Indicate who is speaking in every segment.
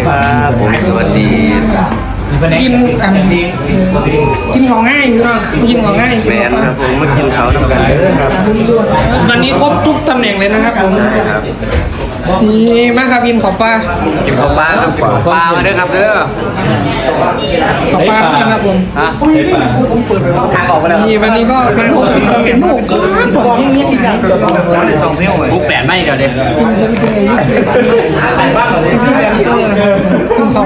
Speaker 1: ครับผมสวัสดี
Speaker 2: กินกินของง่ายพี่น้องกินของง่าย
Speaker 1: แมนครับผมมากินเขาทำกันเด้อครับ
Speaker 2: วันนี้ครบทุกตำแหน่งเลยนะครับผม
Speaker 1: ใช่ครับ
Speaker 2: นี่มาครับกินของปลา
Speaker 1: กินข้าวปลาครับปลามาเด้อครับเด้อ
Speaker 2: ของปลานะครับผม
Speaker 1: ฮะทางออกมาแล้ว
Speaker 2: นี่วันนี้ก็มาครบทุกตำแหน่งครับบอกอย่างนี้อีกอย่าง
Speaker 1: บุ๊กแปดไม่เดี๋ยวเด็ก
Speaker 2: กิน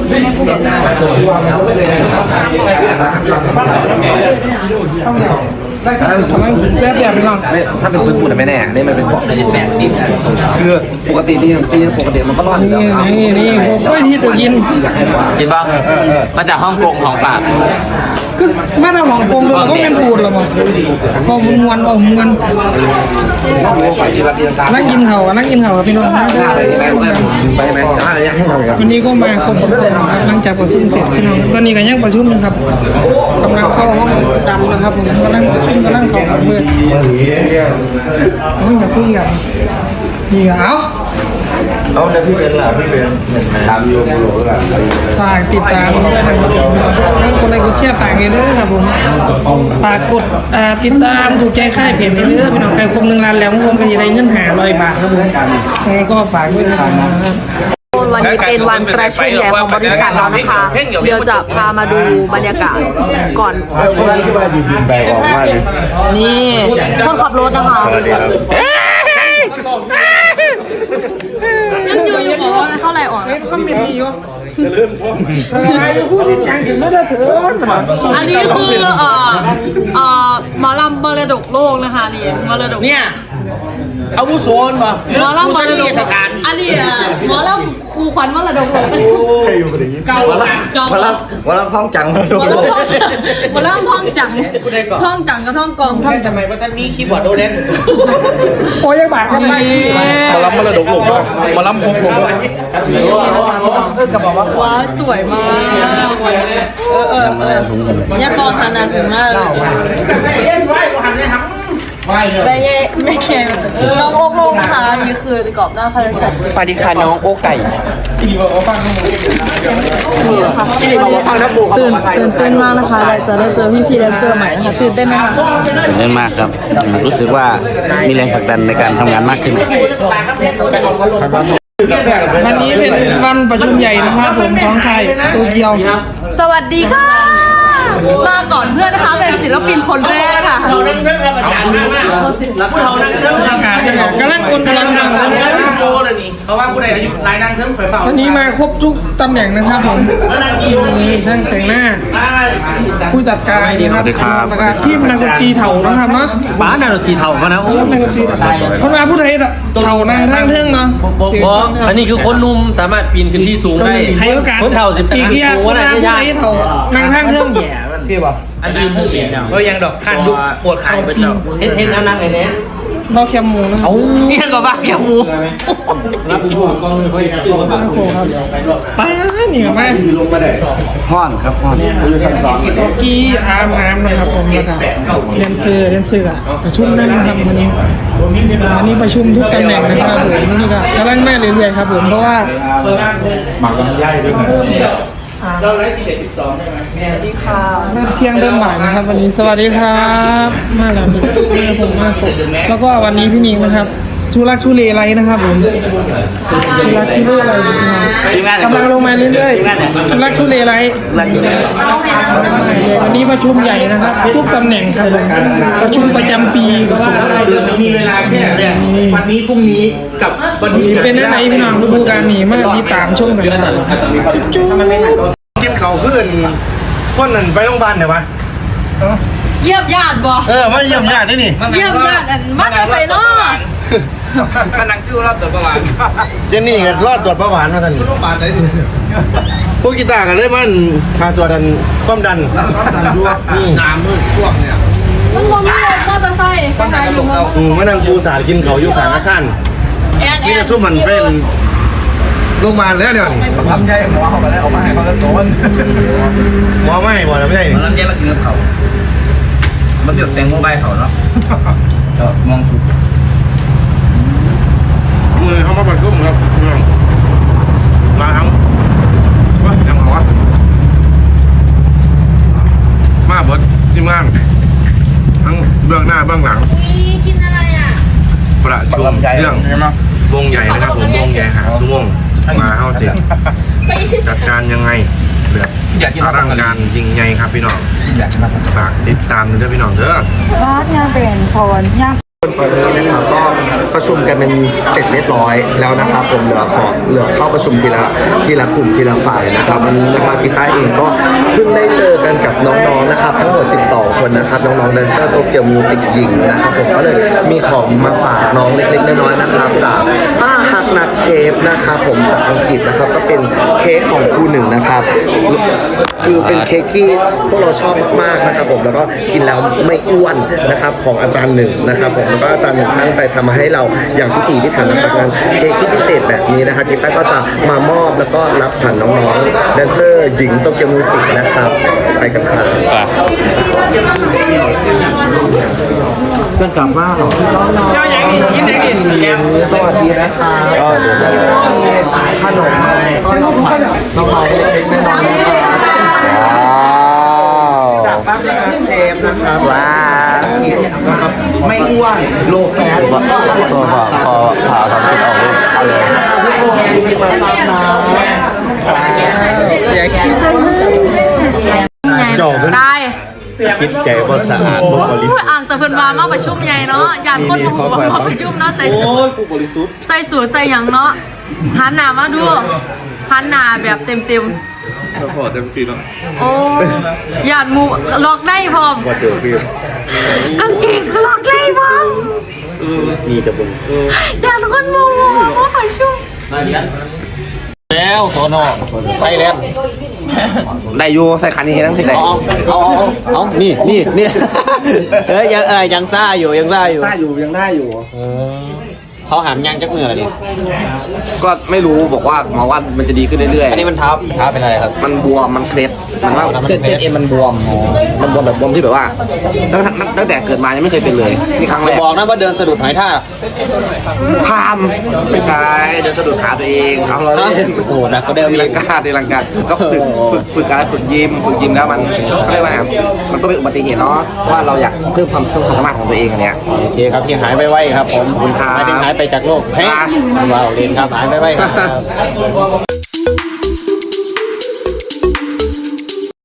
Speaker 2: ของทำไมแบบพี่น้อง
Speaker 3: ถ้าเป็นพื้นปูนไม่แน่นี่มันเป็นบอกจะแบบดิบคือปกติตีปกติมันก็รอดอยู่แล้ว
Speaker 2: นี่โอ้ยที่ตัวกิน
Speaker 3: อยากให้ว่า
Speaker 1: กินบ้างมาจากห้องกงของปาก
Speaker 2: คือมาทำของกลมเลยก็เป็นปูดหรอมั้งพอมวนเอามวน
Speaker 3: ต้องรู้ไปที่รัฐที่ต่าง
Speaker 2: นั่งกินเขานั่งกินเขาพี่น้อง
Speaker 3: หน้าไปไหมไปไหมหน้าอะไรให้ทำกัน
Speaker 2: วันนี้ก็มาครบทุกคนนะครับหลังจากประชุมเสร็จพี่น้องตอนนี้ก็ยังประชุมครับกำลังเข้าห้องดำนะครับผมกำลังประชุมกำลังเข้าเมื่อจะคุยกันนี่เอา
Speaker 4: แล้วพี่เป็นล่ะพี่เป็นตามโยมโลล่ะ
Speaker 2: ฝากติดตามด้วยนะครับทั้งคนไลค์กดแชร์ฝากเลยครับผมฝากกดติดตามถูกใจค่ายเพจเลยพี่น้องใครครบ1 ล้านแล้วผมก็จะได้เงิน500 บาทครับผมก็ฝากด้วยนะครับ
Speaker 5: วันนี้เป็นวันประชุมใหญ่ของบริษัทเรานะคะ เดี๋ยวจะพามาดูบรรยากาศก่อนประชุม
Speaker 4: แบกออกมาเลย
Speaker 5: นี่คนขับรถนะคะ
Speaker 4: สวัสดีครับ
Speaker 5: ยังอยู่บอกว่าเท่าไหร่ออก
Speaker 2: ก็ไม่มีวะอะไรพูดจริงจังถึงไม่ได้เถิน
Speaker 5: อันนี้คือหมอลำมรดกโลกนะคะนี่มรดก
Speaker 2: เนี่ยเขาผู้โซนป่ะ
Speaker 5: หมอลำมรดกอันนี้หมอลำครูขวัญมรดกโลก
Speaker 2: เก่า
Speaker 3: วันละท้องจัง
Speaker 5: หมอลำท่องจังท่องจังกับท่องกอง
Speaker 4: แค่สมัยว่าท่านมีคีย์บอร์ดโดเรน
Speaker 2: โอ้ยบาทกันไป
Speaker 4: มาล้ำมาระดกหลงมาล้ำคงหลง
Speaker 5: ว้าสวยมากเนี่ยปองขนาดถึงมากเลยไม่แค่น้องโอ๊กโลกนะคะนี่คือกรอบหน้าคาราชัดจริง
Speaker 1: สวัสดีค่ะน้องโอไก่
Speaker 5: ตื่นเต้นมากนะคะจะได้เจอพี่แดนเซอร์ใหม่นะคะตื่นเต้นไหมคะ
Speaker 1: ตื่นเต้นมากครับรู้สึกว่ามีแรงผลักดันในการทำงานมากขึ้น
Speaker 2: วันนี้เป็นวันประชุมใหญ่นะครับผมของไทยโตเกียว
Speaker 5: สวัสดีค่ะมาก่อนเพื่อนนะคะเป็นศิลปินคนแรกค่ะ
Speaker 2: กำลังคนกำลังดัง
Speaker 4: เขาว่าผู้ใดอายุรายนั่งเทิมไฟเฝ้า
Speaker 2: วันนี้มาครบทุกตำแหน่งนะครับผมนี่ช่างแต่งหน้า ผู้จัดการดีครับทีมนักดนตรีเถ่านะครับเนาะ
Speaker 1: ป้านาโนตีเท่ามานะโอ้
Speaker 2: นักดนตรีคนมาผู้ใดเถ่านางทางเทิงเนาะ
Speaker 6: อันนี้คือคนหนุ่มสามารถปีนขึ้นที่สูงได้
Speaker 2: ให้โอกาส
Speaker 6: คนเท่าสิบ
Speaker 2: อีกเดีย
Speaker 6: สูง
Speaker 2: ค
Speaker 6: ว่าน ได้
Speaker 2: มาผู้
Speaker 6: ยาก
Speaker 2: ใดเถ่านางทางเทิง
Speaker 4: ที่บอก
Speaker 6: อันอื่นผู้เปลี่ยนแล้ว
Speaker 4: เออยังดอกขั้นดุปวดขายไปเจ้า
Speaker 6: เฮ็ดอันนั้นไอ้เนี้ย
Speaker 2: เราแคมหมูนะ
Speaker 1: เนี่ยก็บ้าแค่หมู
Speaker 6: รับผู้ช่วยกล้องเลยเขาชื่อว่า
Speaker 2: ไปนี่มา
Speaker 1: ห้อนครับห้อน
Speaker 2: กี้อาร์มนะครับผมแล้วก็เดนเซอร์อะประชุมนั่นนะครับวันนี้ประชุมทุกตำแหน่งนะครับผมนี่ก็กำลังแม่เรื่อยๆครับผมเพราะว่า
Speaker 4: หมักลำไยด้วยนะ
Speaker 6: เราไลฟ์11:12ใช่ไหมแม่ที่ค่ะ
Speaker 2: เริ่มเที่ยงเริ่มบ่ายนะครับวันนี้สวัสดีครับมาแล้วผมมากแล้วก็วันนี้พี่นิงนะครับทุลักทุเลไรนะครับผมทุลักทุเลไรกำลังลงมาเรื่อยๆทุลักทุเลไรวันนี้ประชุมใหญ่นะครับทุกตำแหน่งครับผมประชุมประจำปีกับสุด
Speaker 4: มีเวลาแค่วันนี้พรุ่งนี้กับวันนี้
Speaker 2: เป็นอะไรพี่น้องฤดูกาลนี้มากที่ตามชมกันนะครับจุ๊บ
Speaker 4: กินเขาเพื่อนคนนั้นไปโรงพยาบาลเดี๋ยววะ
Speaker 5: เยี่ยมญาติบ่
Speaker 4: มาเยี่ยมญาติได้นี่
Speaker 5: เยี่ยมญาติมาแต่ใส่นอ
Speaker 1: มันนั่งชื่อรอบตัวประมาณ
Speaker 4: เจนนี่ก็รอดตรวจเบาหวานมาท่านโรงพยาบาลได้ดิพวกกีตาร์กันเลยมันพาตัวดันความดันด้วยน้ำด้วยพวกเนี่ย
Speaker 5: มันบ่มีรถมอเตอร์ไซค์ข้างในอยู่มั้ง
Speaker 4: มานั่งปูสาดกินเขาอยู่ข้างอาคาร นี่จะซุ่มมันเป็นโรงพยาบาลแล้วเดี๋ยวนี้ทำใจหมอเขาไปแล้วเอามาให้เขาก็โดนหมอไม่หมอไม่ใช่
Speaker 1: มันลำเย็นมากินกับเขามันเดือดแตงโมใบเขาเนาะมองสุด
Speaker 4: มือเขามาประชุมครับมาทั้งบื้องหน้าเบื้องหลัง
Speaker 7: กินอะไรอ่ะ
Speaker 4: ประชุมเรื่องวงใหญ่นะครับผมวงใหญ่หาชั่วโมงมาเข้าจริงจัดการยังไงแบบอลังการจริงไงครับพี่น้องฝากติดตามด้วยพี่น้องเด้อ
Speaker 2: ร้านยังเป็นคนยัง
Speaker 3: ตอนนี้นะครับก็ประชุมกันเป็นเสร็จเรียบร้อยแล้วนะครับผมเหลือเข้าประชุมทีละกลุ่มทีละฝ่ายนะครับวันนี้นะครับพี่ต้าเองก็เพิ่งได้เจอกันกับน้องๆนะครับทั้งหมด12คนนะครับน้องๆแดนเซอร์โตเกียวมิวสิกหญิงนะครับผมก็เลยมีของมาฝากน้องเล็กๆน้อยๆนะครับจากป้าฮักนักเชฟนะครับผมจากอังกฤษนะครับก็เป็นเค้กของครูหนึ่งนะครับคือเป็นเค้กที่พวกเราชอบมากๆนะครับผมแล้วก็กินแล้วไม่อ้วนนะครับของอาจารย์หนึ่งนะครับผมแล้วก็อาจารย์หนึ่งตั้งใจทำมาให้เราอย่างพิถีพิถันนะครับงานเค้กที่พิเศษแบบนี้นะครับพี่ต้าก็จะมามอบแล้วก็รับผ่านน้องๆแดนเซอร์หญิงโตเกียวมิวสิกนะครับไปกันครับจะกลับบ้านหรอเจ้าอย่างนี้ยินดีสวัสดีนะคะก็เดี๋ยวขนมก็เราเผาเล็กๆน้อยๆนะครับจากบ้านนักเชฟนะครับว้านะครับไม่อ้วนโลแฟตพอผ่าความคิดออกเลยเอาเลยทุกคนมีมาตามน้ำจบ
Speaker 5: ได้
Speaker 4: คิดใจก็สะอาดบริสุทธิ์
Speaker 5: อ่างแต่เพิ่นมามาประชุมใหญ่เนาะอยากคนมาประชุมเนาะใส่สูทใส่หยังเนาะหันหน้ามาดูหันหน้าแบบเต็ม
Speaker 4: พอเต็มที่แล้ว
Speaker 5: ๆโอ้อยากมูล็อกได้พร้อม
Speaker 4: ว่าเจอพี่
Speaker 5: กางเกงคือล็อกได้พร้อม
Speaker 4: นี่จะบุญ
Speaker 5: อยากคนมูมาประชุม
Speaker 6: แล้วโซนอไปแล้ว
Speaker 3: ได้อยู่ใส่คันนี้ทั้งสิได้
Speaker 6: เอานี่ยังซ่าอยู่ยังซ่าอยู่
Speaker 3: ได้อยู่ยังได้อยู่
Speaker 6: เขาหามยังจักมืออะไรดิ
Speaker 3: ก็ไม่รู้บอกว่าหมอว่ามันจะดีขึ้นเรื่อย
Speaker 6: อันนี้มันเท้าเป็นอะไรครับ
Speaker 3: ๆมันบวมมันเคล็ดมันว่าเส้นเอ็นมันบวมแบบบวมที่แบบว่าตั้งแต่เกิดมายังไม่เคยเป็นเลยนี่ครั้งแรก
Speaker 6: บอกนะว่าเดินสะดุดหอยท่า
Speaker 3: พามไม่ใช่เดินสะดุดขาตัวเองเอาเราเล่น
Speaker 6: โอ้หนักก็เดิม
Speaker 3: ตี
Speaker 6: อี
Speaker 3: ลั
Speaker 6: ก
Speaker 3: งกาตีลังกาก็ฝึกการฝึกยิมแล้วมันเขาเรียกว่าไงมันก็เป็นอุบัติเหตุเนาะว่าเราอยากเพิ่มความสามารถของตัวเองอันเนี้ย
Speaker 6: โอเคครับที่หายไปไวครับผม
Speaker 3: ขอบคุณครับ
Speaker 6: หายไปจากโลกเฮ้ยว้าวเรียนครับหายไปไวครับ